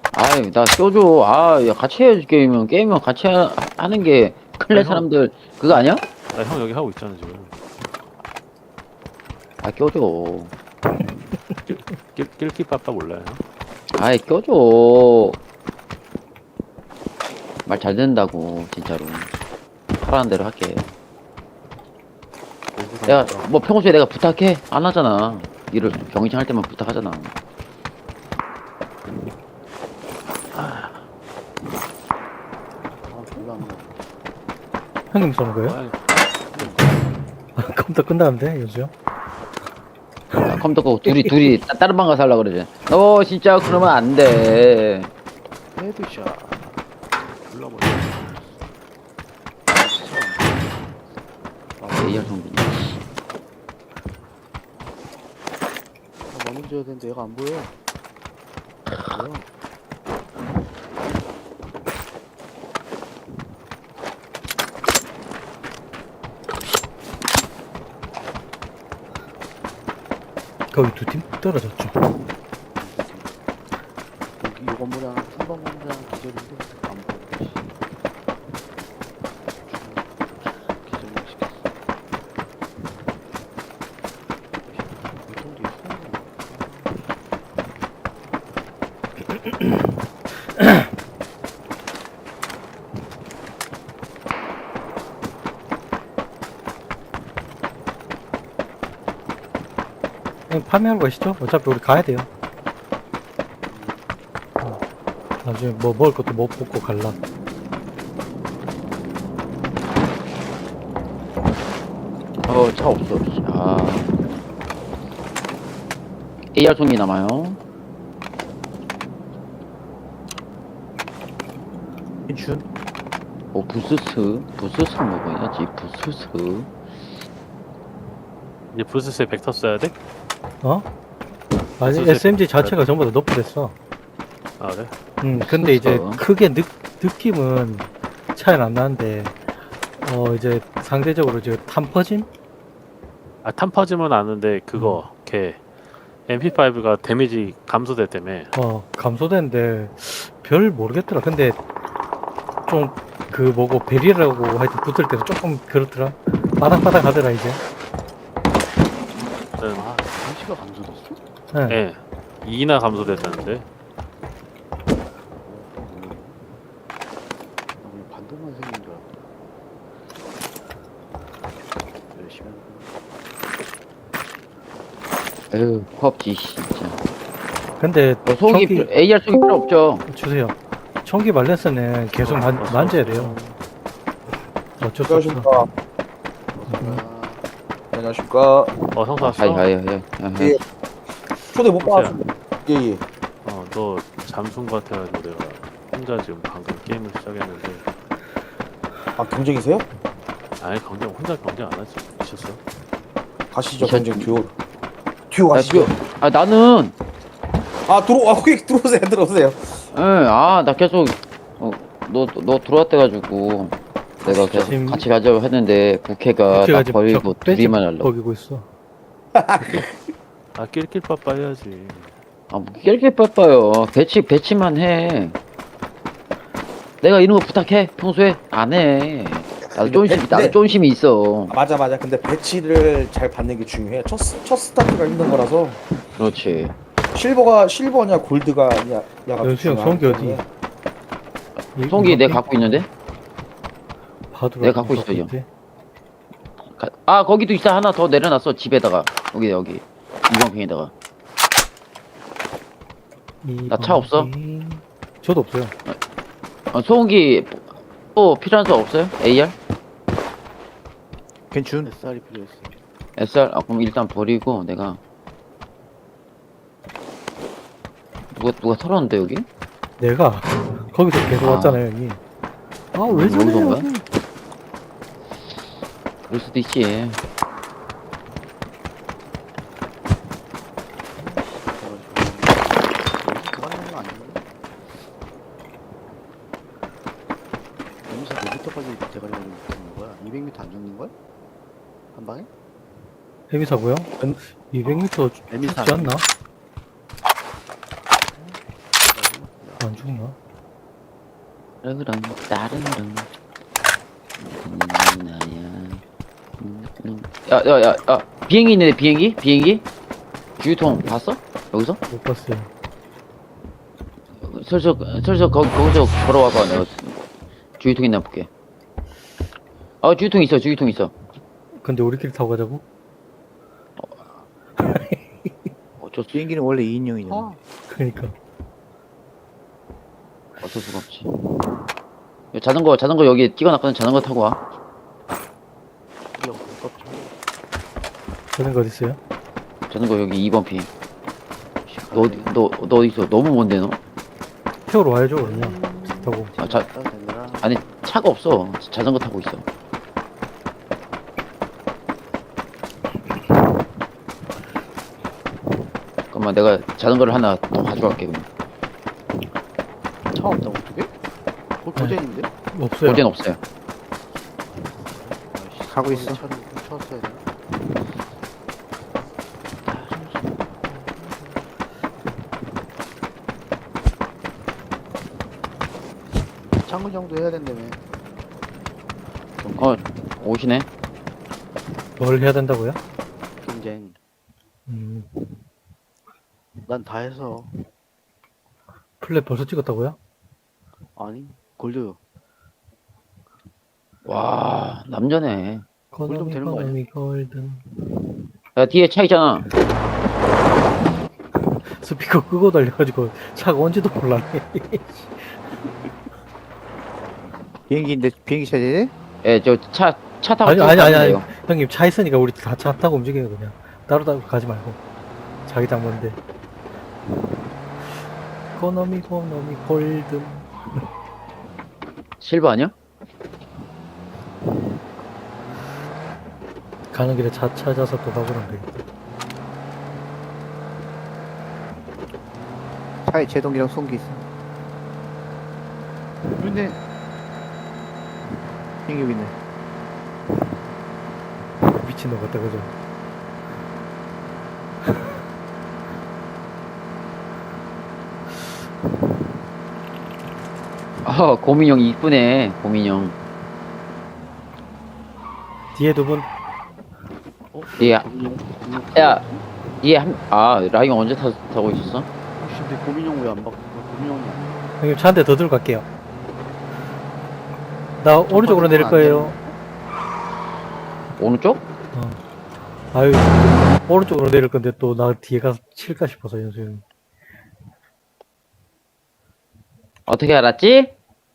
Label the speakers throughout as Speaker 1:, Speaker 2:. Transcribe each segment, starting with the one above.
Speaker 1: 아이, 나 껴줘. 아, 야, 같이 해야지, 게임은. 게임은 같이 하는 게, 클레
Speaker 2: 아니, 형.
Speaker 1: 사람들, 그거 아니야?
Speaker 2: 나 형 여기 하고 있잖아 지금.
Speaker 1: 아, 껴줘.
Speaker 2: 낄끼빠빠 몰라요?
Speaker 1: 아이, 껴줘. 말 잘 듣는다고, 진짜로. 하라는 대로 할게. 내가, 뭐, 평소에 내가 부탁해? 안 하잖아. 일을, 경이창 할 때만 부탁하잖아.
Speaker 3: 형님 쏘는 거예요?
Speaker 2: 아니,
Speaker 3: 컴퓨터 끝나는데 요즘?
Speaker 1: 야, 컴퓨터 끄고 둘이 다른 방 가서 하려고 그러지. 너 진짜 그러면 안 돼.
Speaker 2: 헤드샷. 불러버려.
Speaker 1: AR 성빈이.
Speaker 4: 먼저 줘야 되는데 얘가 안 보여. 뭐야?
Speaker 3: 거기 두 팀 떨어졌죠.
Speaker 4: 여기 이 건물에 하나 3번 건물에 하나 기절인데 안 보여. 씨. 기절을 시켰어. 유통도 있어.
Speaker 3: 그냥 파밍하러 가시죠. 어차피 우리 가야 돼요. 나중에 뭐 먹을 것도 못 먹고 갈라.
Speaker 1: 차 없어. 씨. 아. AR 송이 남아요.
Speaker 3: 준?
Speaker 1: 부스스 먹어야지. 부스스.
Speaker 2: 이제 부스스에 벡터 써야 돼?
Speaker 3: 어? 아니
Speaker 2: 소재
Speaker 3: SMG 자체가 전부 다 높아졌어.
Speaker 2: 아 그래?
Speaker 3: 근데 이제
Speaker 1: 그쵸.
Speaker 3: 크게 느낌은 차이는 안 나는데 이제 상대적으로 이제 탄퍼짐?
Speaker 2: 아 탄퍼짐은 아는데 그거 걔 MP5가 데미지 감소됐다며.
Speaker 3: 감소되는데 별 모르겠더라. 근데 좀 그 뭐고 베리라고 하여튼 붙을 때도 조금 그렇더라. 바닥바닥 하더라 이제.
Speaker 4: 아, 잠시가 감소됐어?
Speaker 3: 네.
Speaker 2: 예. 2나 감소됐다는데.
Speaker 4: 그냥 반동만 생긴 줄 알았어. 열심히 하는
Speaker 1: 에휴, 코앞지, 진짜.
Speaker 3: 근데
Speaker 1: 송이, AR 송이 필요 없죠.
Speaker 3: 주세요. 총기 발렌스는 계속 만져야 돼요. 어쩔 수 없어.
Speaker 5: 안녕하십니까. 안녕하십니까.
Speaker 2: 형사 왔어?
Speaker 1: 하이.
Speaker 5: 예. 초대 못
Speaker 2: 보세요.
Speaker 5: 받았습니다. 예.
Speaker 2: 너 잠수인 것 같아가지고 내가 혼자 지금 방금 게임을 시작했는데.
Speaker 5: 아, 경쟁이세요?
Speaker 2: 아니 혼자 경쟁 안 하지. 미쳤어?
Speaker 5: 가시죠,
Speaker 1: 미쳤-
Speaker 5: 경쟁 듀오
Speaker 1: 야,
Speaker 5: 가시죠.
Speaker 1: 나는,
Speaker 5: 거기 들어오세요.
Speaker 1: 나 계속, 너 들어왔대가지고, 내가 계속
Speaker 3: 지금-
Speaker 1: 같이 가자고 했는데, 국회가
Speaker 3: 제가
Speaker 1: 나
Speaker 3: 지금
Speaker 1: 버리고 둘이만 하려고.
Speaker 3: 버기고 있어.
Speaker 2: 아 낄낄빠빠 해야지.
Speaker 1: 뭐, 깰게 빠빠요. 배치만 해. 내가 이런 거 부탁해? 평소에? 안 해. 나도
Speaker 5: 근데-
Speaker 1: 쫀심이 있어.
Speaker 5: 맞아. 근데 배치를 잘 받는 게 중요해. 첫 스타트가 힘든 거라서.
Speaker 1: 그렇지.
Speaker 5: 실버냐, 골드가 야가
Speaker 3: 연수 형, 송기 어디?
Speaker 1: 송기 내가 갖고 있는데?
Speaker 3: 봐도
Speaker 1: 내가 갖고 있어요. 거기도 있어. 하나 더 내려놨어. 집에다가. 여기. 이광평에다가. 나차 없어?
Speaker 3: 저도 없어요.
Speaker 1: 소음기 또 필요한 거 없어요? AR?
Speaker 4: 괜춘? SR이 필요했어.
Speaker 1: SR? 그럼 일단 버리고 내가 누가 털었는데 여기?
Speaker 3: 내가 거기서 계속
Speaker 1: 아.
Speaker 3: 왔잖아요, 형이. 왜
Speaker 1: 여기서 온
Speaker 3: 저래요?
Speaker 1: 거야? 그럴 수도 있지.
Speaker 4: 그만하는 거 아닌데? 여기서 몇 미터까지 대가리 걸리고 붙는 거야? 200m 안 죽는 거야? 한 방에?
Speaker 3: 헤비사고요? 200m
Speaker 4: 에미사
Speaker 3: 죽지 않나? 안 죽나?
Speaker 1: 그럼 다른 나야. 야야야 비행기 있는데 비행기 주유통 봤어? 여기서?
Speaker 3: 못 봤어요.
Speaker 1: 슬슬 거기서 걸어와봐. 내가 주유통 있나 볼게. 주유통 있어.
Speaker 3: 근데 우리끼리 타고 가자고?
Speaker 1: 어쩔 수
Speaker 6: 비행기는 원래 2인용이잖아.
Speaker 4: 아,
Speaker 3: 그러니까.
Speaker 1: 어쩔 수가 없지. 야, 자전거 여기 찍어놨거든. 자전거 타고 와.
Speaker 4: 이거 아깝죠.
Speaker 3: 저런 거 어딨어요?
Speaker 1: 자전거 여기 2번 피. 너 어디 있어? 너무 먼데 너?
Speaker 3: 태우러 와야죠, 그냥. 타고.
Speaker 1: 아니 차가 없어. 자전거 타고 있어. 잠깐만 내가 자전거를 하나 더 가져갈게 그럼.
Speaker 4: 차 없다고 어떻게? 거기 고젠인데?
Speaker 3: 없어요.
Speaker 1: 어제는 없어요.
Speaker 6: 가고 있어.
Speaker 4: 차를 훔쳤어야 돼. 창문 정도 해야 된다며.
Speaker 1: 오시네.
Speaker 3: 뭘 해야 된다고요?
Speaker 4: 경쟁.
Speaker 3: 음,
Speaker 4: 난 다 해서.
Speaker 3: 플랫 벌써 찍었다고요?
Speaker 4: 아니, 골드.
Speaker 1: 와 남자네.
Speaker 3: 이코노미,
Speaker 4: 되는 거 아니야?
Speaker 3: 이코노미, 골든.
Speaker 1: 야 뒤에 차 있잖아.
Speaker 3: 스피커 끄고 달려가지고 차가 온지도 몰랐네.
Speaker 6: 비행기인데 비행기 타야 돼?
Speaker 1: 예, 저 차 타고
Speaker 3: 아니,
Speaker 1: 쭉
Speaker 3: 아니,
Speaker 1: 가면
Speaker 3: 아니.
Speaker 1: 돼요.
Speaker 3: 형님, 차 있으니까 우리 다 차 타고 움직여요, 그냥. 따로 가지 말고. 자기장 먼데. 이코노미, 골든.
Speaker 1: 실버 아니야?
Speaker 3: 가는 길에 차 찾아서 또 가보면 되겠다.
Speaker 6: 차에 제동기랑 송기 있어.
Speaker 4: 근데
Speaker 6: 비행기 여기 있네.
Speaker 3: 미친놈 같다, 그죠?
Speaker 1: 고민형 이쁘네. 고민형.
Speaker 3: 뒤에 두 분,
Speaker 1: 예, 야, 라이언 언제 타고 있었어?
Speaker 4: 혹시 근데 고민형 왜 안 바꿔? 고민형이
Speaker 3: 형님 차 한 대 더 들고 갈게요. 나 오른쪽으로 내릴 거예요.
Speaker 1: 오른쪽?
Speaker 3: 아유, 오른쪽으로 내릴 건데 또 나 뒤에 가서 칠까 싶어서, 연수 형님.
Speaker 1: 어떻게 알았지?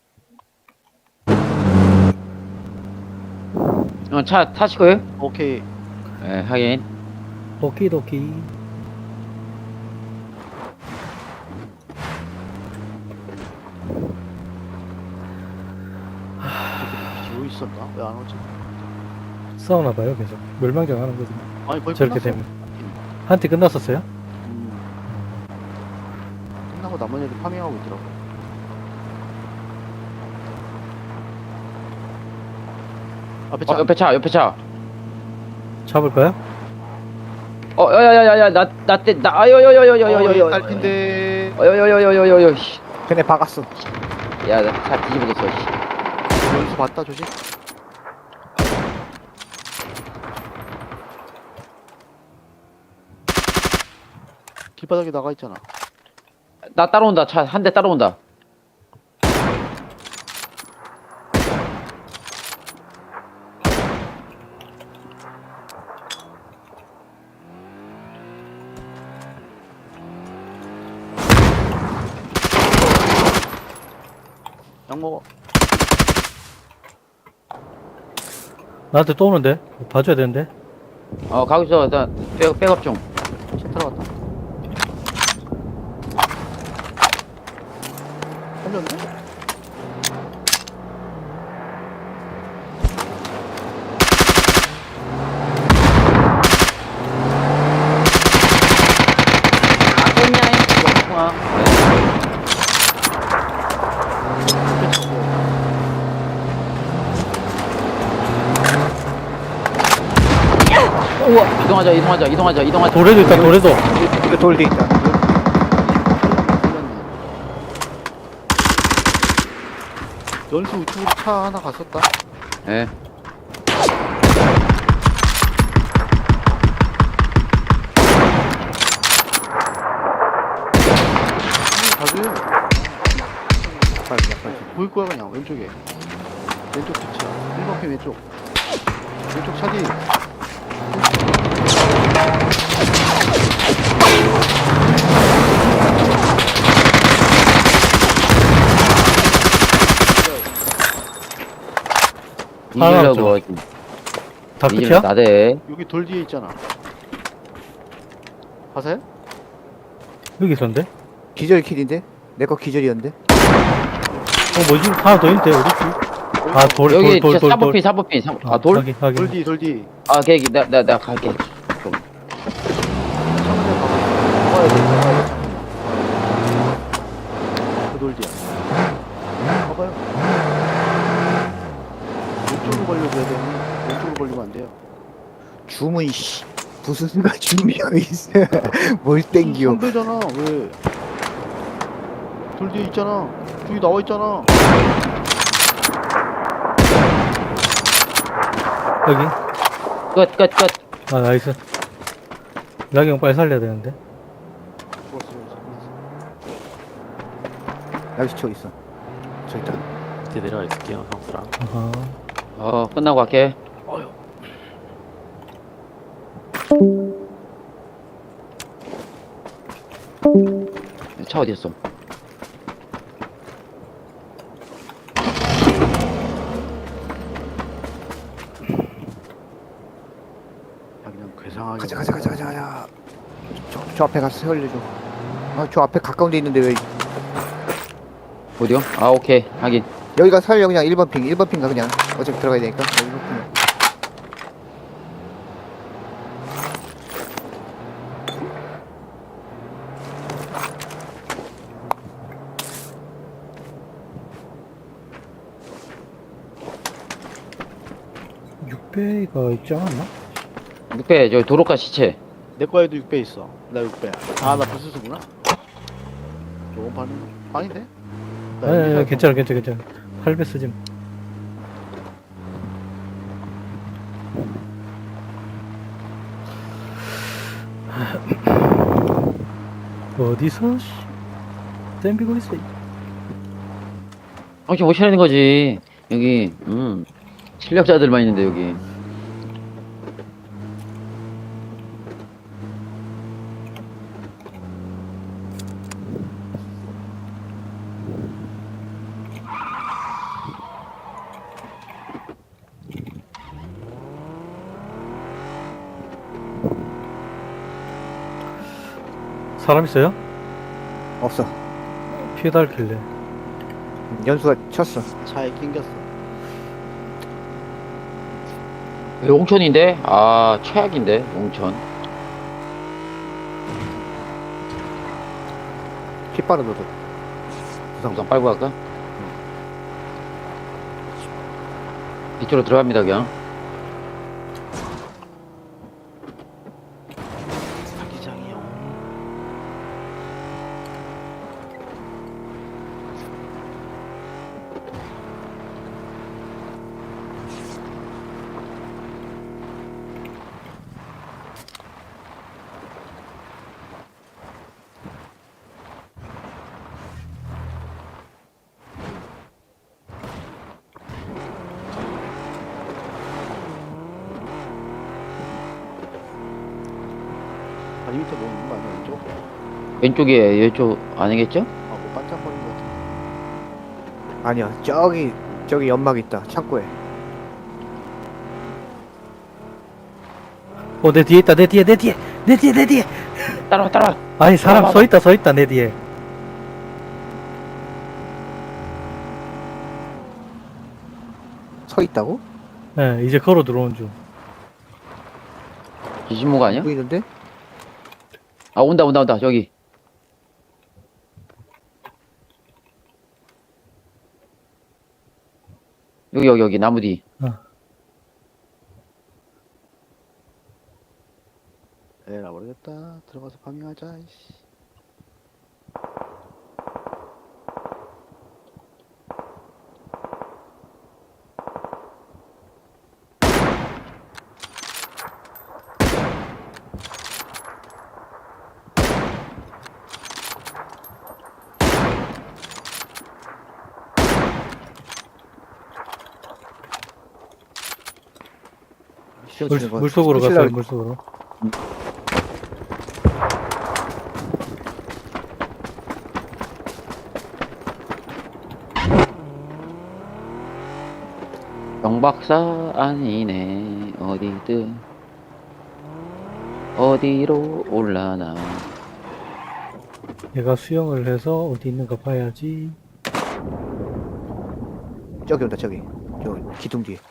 Speaker 1: 차 타시고요?
Speaker 4: 오케이.
Speaker 1: 예, 하긴.
Speaker 3: 오키도키.
Speaker 4: 지고 있었나? 왜 안 오지?
Speaker 3: 싸우나봐요, 계속. 멸망전 하는 거지.
Speaker 4: 아니 거의
Speaker 3: 저렇게
Speaker 4: 끝났어.
Speaker 3: 되면. 한테 끝났었어요?
Speaker 4: 끝나고 남은 애들 파밍하고 있더라고. 앞에 차.
Speaker 1: 옆에 차.
Speaker 3: 잡을까요?
Speaker 1: 야야야야, 아여여여여여여여여.
Speaker 4: 딸핀데.
Speaker 1: 어여여여여여여.
Speaker 6: 걔네 박았어.
Speaker 1: 야, 나 차 뒤집어졌어. 씨.
Speaker 4: 연수 봤다 조심. 길바닥에 나가 있잖아.
Speaker 1: 나 따라온다. 차 한 대 따라온다.
Speaker 4: 약 먹어.
Speaker 3: 나한테 또 오는데? 봐줘야 되는데?
Speaker 1: 가고 있어. 나 백업 중.
Speaker 4: 차 들어갔다. 살렸네?
Speaker 1: 깼냐? 이거 이동하자.
Speaker 3: 도래도 있다, 도래도.
Speaker 6: 이거 돌 뒤에 있다.
Speaker 4: 연수 우측으로 차 하나 갔었다.
Speaker 1: 예.
Speaker 4: 가세요.
Speaker 6: 빨리.
Speaker 4: 보일 거야 그냥 왼쪽에. 왼쪽 뒷차. 1번 편 왼쪽. 왼쪽 차 뒤.
Speaker 3: 하나
Speaker 1: 이기려고
Speaker 3: 다
Speaker 1: 이기려
Speaker 3: 끝이야?
Speaker 1: 나대.
Speaker 4: 여기 돌 뒤에 있잖아. 가세요?
Speaker 3: 여기 있었는데?
Speaker 6: 기절 킬인데? 내 거 기절이었는데?
Speaker 3: 뭐지? 하나 더 있는데, 어딨지? 아, 돌.
Speaker 1: 여기 진짜 사법핀. 아 돌?
Speaker 3: 확인, 확인.
Speaker 4: 돌 뒤, 돌 뒤.
Speaker 1: 아 걔기 나 갈게. 좀.
Speaker 4: 창문에 봐봐. 봐야 돼, 봐야 돼. 그돌 뒤야. 봐봐요. 왼쪽으로 걸려줘야 돼. 왼쪽으로 걸리면 안 돼요.
Speaker 6: 주문, 씨. 무슨 수가 주문이 있어. 뭘 땡겨.
Speaker 4: 선배잖아, 왜? 돌 뒤에 있잖아. 저기 나와 있잖아.
Speaker 3: 여기.
Speaker 1: 끝.
Speaker 3: 아, 나이스. 락이 형 빨리 살려야 되는데.
Speaker 6: 여기 저 있어. 저 있다.
Speaker 2: 밑에 내려가 있을게요, 형수랑.
Speaker 3: 아하.
Speaker 1: 끝나고 갈게. 차 어디였어?
Speaker 4: 아, 그냥 괴상하게.
Speaker 6: 가자. 저 앞에 가서 세월려줘. 아, 저 앞에 가까운 데 있는데 왜.
Speaker 1: 어디요? 아 오케이 하긴.
Speaker 6: 여기 가서 살려, 그냥 1번 핑. 1번 핑 가, 그냥. 어차피 들어가야 되니까. 1번 핑.
Speaker 3: 육배가 있지 않았나?
Speaker 1: 6배 저 도로가 시체.
Speaker 4: 내 거에도 6배 있어. 나 6배야. 아, 나 부스스구나. 조금 반응. 아닌데? 나
Speaker 3: 아니,
Speaker 4: 여기서
Speaker 3: 괜찮아. 8배 쓰지. 뭐. 어디서, 씨. 댐비고 있어.
Speaker 1: 정신 못 차리는 거지. 여기 실력자들만 있는데 여기.
Speaker 3: 사람 있어요?
Speaker 6: 없어.
Speaker 3: 피해 닳길래.
Speaker 6: 연수가 쳤어.
Speaker 4: 차에 낑겼어.
Speaker 1: 용천인데? 아 최악인데 용천.
Speaker 6: 피 빠르 너도.
Speaker 1: 우선 빨고 갈까? 이쪽으로 들어갑니다 그냥.
Speaker 4: 자기장이요. 다리 밑에 뭐 있는 거 아니야, 왼쪽?
Speaker 1: 왼쪽에 이쪽 아니겠죠?
Speaker 4: 아, 뭐 반짝거리는 거 같아.
Speaker 6: 아니야. 저기 연막 있다. 창고에.
Speaker 3: 내 뒤에 있다. 내 뒤에.
Speaker 1: 따라와.
Speaker 3: 아니, 사람
Speaker 1: 봐봐.
Speaker 3: 서 있다, 내 뒤에.
Speaker 6: 서 있다고?
Speaker 3: 예, 이제 걸어 들어온 중.
Speaker 1: 기신모가 아니야?
Speaker 6: 보이는데?
Speaker 1: 아 온다 저기. 여기 나무 뒤.
Speaker 4: 에라 모르겠다. 들어가서 파밍하자. 이씨.
Speaker 6: 수영 치는 거.
Speaker 3: 물속으로
Speaker 6: 수영
Speaker 3: 갔어요,
Speaker 6: 치려고-
Speaker 3: 물속으로.
Speaker 1: 경박사 아니네. 어디든 어디로 올라나.
Speaker 3: 얘가 수영을 해서 어디 있는가 봐야지.
Speaker 6: 저기 온다, 저기. 저 기둥 뒤에.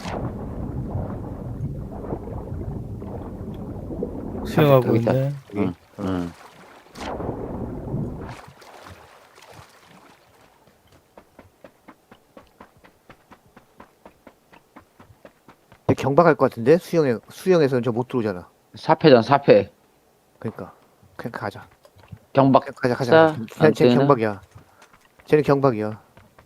Speaker 3: 수영하고
Speaker 1: 여기 있다.
Speaker 3: 있네.
Speaker 1: 응. 응.
Speaker 6: 근데 경박할 것 같은데? 수영에서는 저 못 들어오잖아.
Speaker 1: 사패전 사패.
Speaker 6: 그러니까. 그냥 가자.
Speaker 1: 경박.
Speaker 6: 그냥 가자,
Speaker 1: 사,
Speaker 6: 가자.
Speaker 1: 안
Speaker 6: 쟤는
Speaker 1: 뜨나?
Speaker 6: 경박이야. 쟤는 경박이야.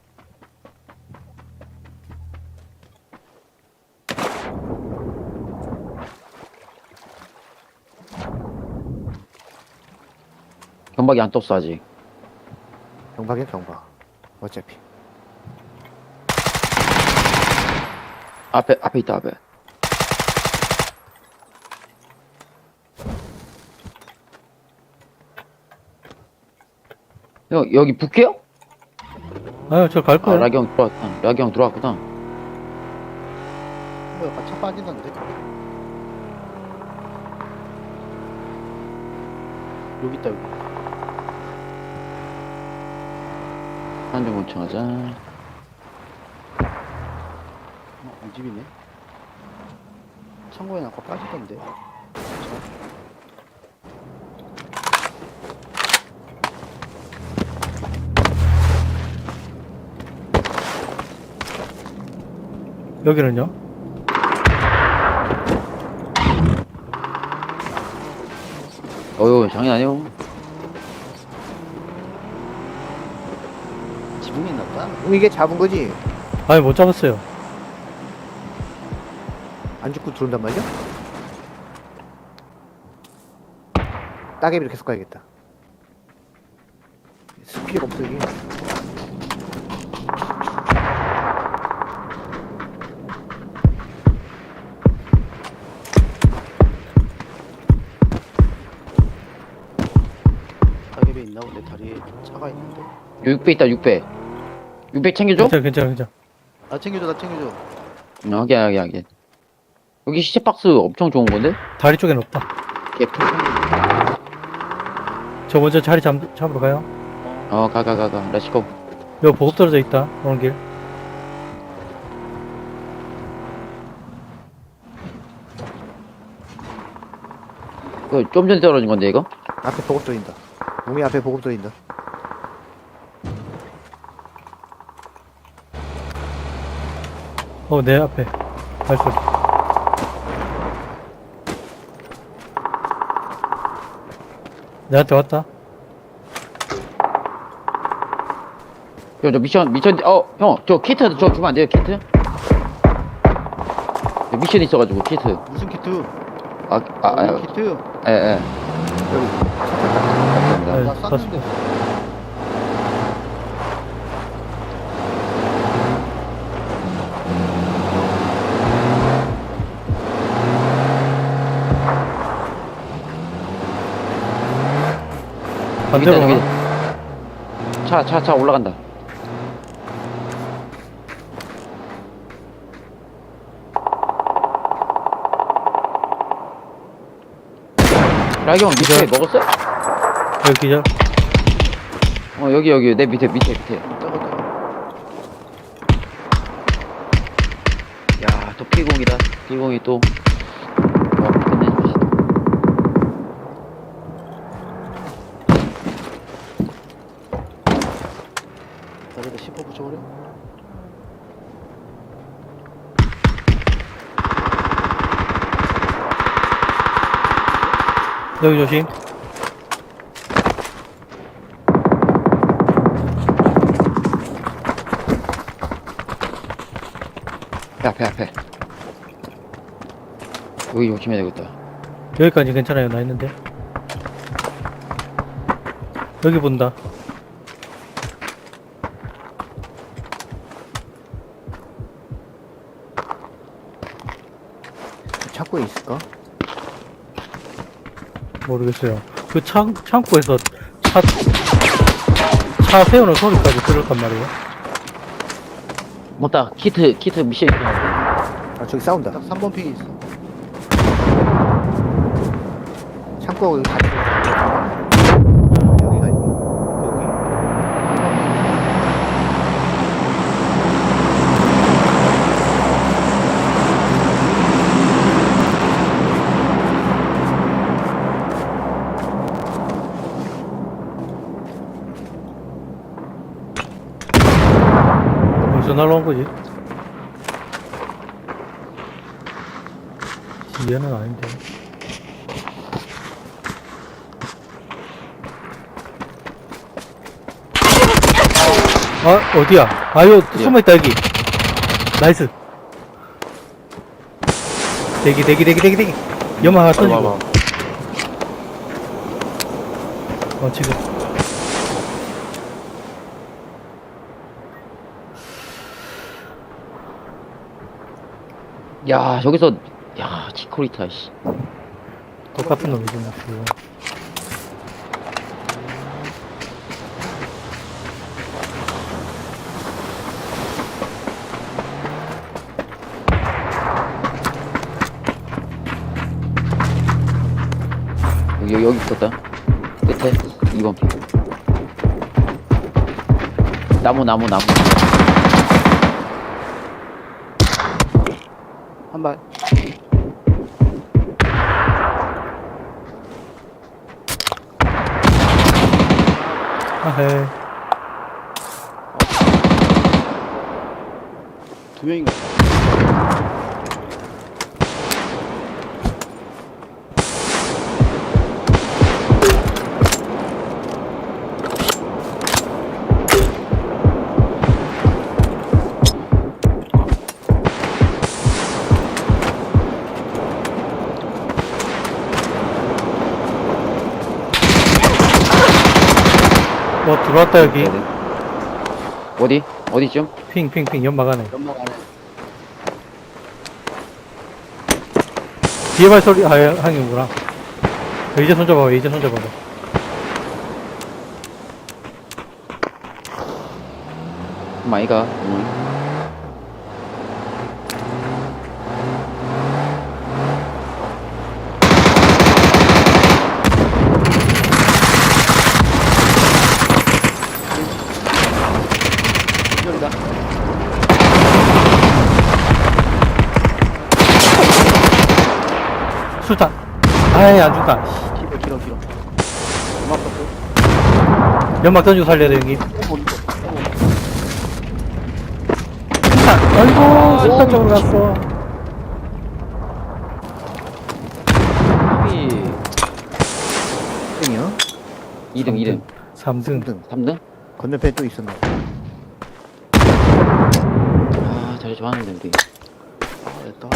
Speaker 1: 경박이 안 떴어 아직.
Speaker 6: 경박이야, 경박. 어차피.
Speaker 1: 앞에 있다 앞에. 형 여기 북해요?
Speaker 3: 아유, 저 갈
Speaker 1: 아
Speaker 3: 거야.
Speaker 1: 라기 형 들어왔다. 라기 형 들어왔구나.
Speaker 4: 뭐야, 차 빠진다는데? 여기 있다, 여기.
Speaker 1: 한점 곤충하자.
Speaker 4: 이 집이네. 창고에 아까 빠지던데.
Speaker 3: 여기는요?
Speaker 1: 어휴 장난 아니오.
Speaker 4: 지붕에 있나 보다.
Speaker 6: 이게 잡은 거지?
Speaker 3: 아니, 못 잡았어요.
Speaker 6: 안 죽고 들어온단 말이야? 따개비를 계속 가야겠다. 스피드가 없어, 이게.
Speaker 4: 가게에 있나 본데, 다리에 차가 있는데.
Speaker 1: 6배 있다 6배. 600 챙겨줘?
Speaker 3: 괜찮아.
Speaker 4: 나 챙겨줘, 나 챙겨줘.
Speaker 1: 하게. 여기 시체 박스 엄청 좋은 건데?
Speaker 3: 다리 쪽엔 없다.
Speaker 1: 개풀.
Speaker 3: 저 먼저 자리 잡으러 가요.
Speaker 1: 가. 렛츠고.
Speaker 3: 여기 보급 떨어져 있다. 오는 길.
Speaker 1: 이거 좀 전에 떨어진 건데 이거?
Speaker 6: 앞에 보급 들어있다. 몸이 앞에 보급 들어있다.
Speaker 3: 내 앞에. 발소리. 내한테 왔다.
Speaker 1: 저 미션 형 저 키트 저 주면 안 돼요 키트? 저 미션 있어가지고 키트.
Speaker 4: 무슨 키트?
Speaker 1: 무슨
Speaker 4: 키트?
Speaker 1: 예. 감사합니다.
Speaker 3: 네,
Speaker 4: 나 쐈는데.
Speaker 3: 반대로
Speaker 1: 저기
Speaker 3: 가.
Speaker 1: 차 올라간다. 라기 형 밑에
Speaker 3: 기절.
Speaker 1: 먹었어?
Speaker 3: 여기 기절.
Speaker 1: 여기 내 밑에.
Speaker 4: 저거.
Speaker 1: 야, 또 P0이다. P0이 또. 끝내줍시다.
Speaker 4: 여기다 10호 붙여버려.
Speaker 3: 여기 조심.
Speaker 1: 앞에. 여기 조심해야 되겠다.
Speaker 3: 여기까지 괜찮아요. 나 있는데. 여기 본다.
Speaker 6: 창고에 있을까?
Speaker 3: 모르겠어요. 그 창고에서 차 세우는 소리까지 들었단 말이에요.
Speaker 1: 맞다. 키트 미션 있어.
Speaker 6: 아, 저기 싸운다.
Speaker 4: 딱 3번 핑이 있어.
Speaker 6: 창고하고 여기 같이. 여기가 있네.
Speaker 3: 어디서 날라온 거지? 얘는 아닌데. 아, 어디야? 아유, 숨어있다, 여기. 나이스. 대기. 연막 하나 던지고.
Speaker 2: 봐봐.
Speaker 3: 지금.
Speaker 1: 야, 저기서, 야, 치코리타, 씨.
Speaker 3: 똑같은 놈이지, 뭐, 지금.
Speaker 1: 여기 있었다. 끝에, 2번 핑. 나무.
Speaker 4: 한 발.
Speaker 3: 아헤.
Speaker 4: 두 명인가?
Speaker 3: 뭐, 들어왔다, 여기.
Speaker 1: 어디쯤?
Speaker 3: 핑, 연막 안에.
Speaker 4: 연막 안에.
Speaker 3: 뒤에 발소리, 항이구나. 이제 손잡아봐.
Speaker 1: 마이가,
Speaker 4: 기절이다.
Speaker 3: 술탄. 아이, 안 죽다.
Speaker 4: 길어. 연막 떴고.
Speaker 3: 연막 던지고 살려야 돼, 형님. 술탄. 아이고, 술탄 쪽으로 갔어.
Speaker 6: 땡이요?
Speaker 1: 2등.
Speaker 3: 3등.
Speaker 1: 3등?
Speaker 6: 건너편에 또 있었나?
Speaker 1: 아, 자리 좋아하는데, 우리.
Speaker 4: 됐다.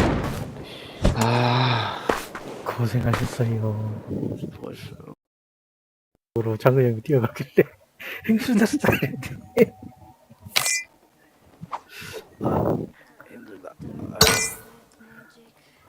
Speaker 1: 아,
Speaker 3: 고생하셨어요.
Speaker 4: 수고했어요.
Speaker 3: 으로 장근 형이 뛰어가길래 행수다 스타일인데.
Speaker 4: 힘들다.